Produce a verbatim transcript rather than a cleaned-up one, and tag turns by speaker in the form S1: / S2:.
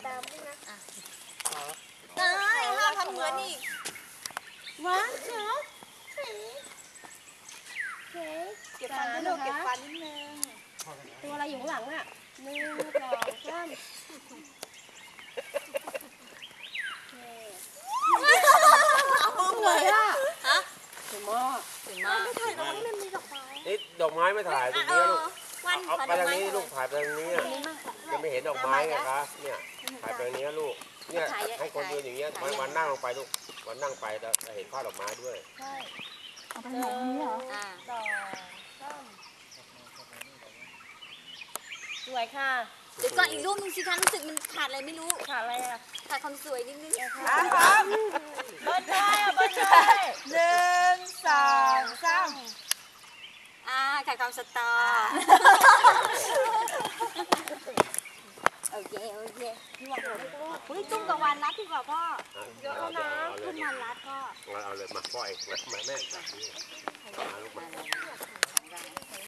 S1: ตามด้วยนะ
S2: เอ้ยห้ามทำเหมือนอีก
S1: วันสองเค้ก
S2: เก็บฟันด้วยลูกเก็บฟันนิดนึง
S1: ตัวอะไรอยู่ข้างหลังน่ะหนึ่งสองสามสวยอ่ะ
S2: ฮะ
S1: สวยมาก
S2: สวยมากไม่ถ่ายตรงนี้มันมีดอกไม้
S3: นี่ดอกไม้ไม่ถ่ายตรงนี้ลูก
S2: วัน
S3: เอาไปทางนี้ลูกถ่ายไปทางนี้จะไม่เห็นดอกไม้ไงคะเนี่ยถ่ายไปทางนี้ลูกเนี่ยให้คนยืนอย่างเงี้ยวันวันนั่งลงไปลูกวันนั่งไปแล้วจะเห็นภาพดอกไม้ด้วย
S1: ใช่
S2: เอาไปไหนนี้เหรออ่า
S1: ดอกส้มสวยค่ะ
S2: เดี๋ยวก่อนอีกรูปนึงสิคะรู้สึกมันขาดอะไรไม่รู้
S1: ขาดอะไรอ่ะ
S2: ขาดความสวยนิดนึง
S1: อ่ะครับเบิ้ลเลยอ่ะเบิ้ลเลยหนึ่งสองสาม
S2: อ่าขาดความสตอโอเคโอเคพี่ว่าเฮ้ยตุ้มกับวันรัดดีกว่าพ่อ
S3: เยอะแล้วนะ
S2: ตุ้มวันรัดพ่อ
S3: เอาเลยมาพ่อเองมาแม่จับนี่มาลูกมา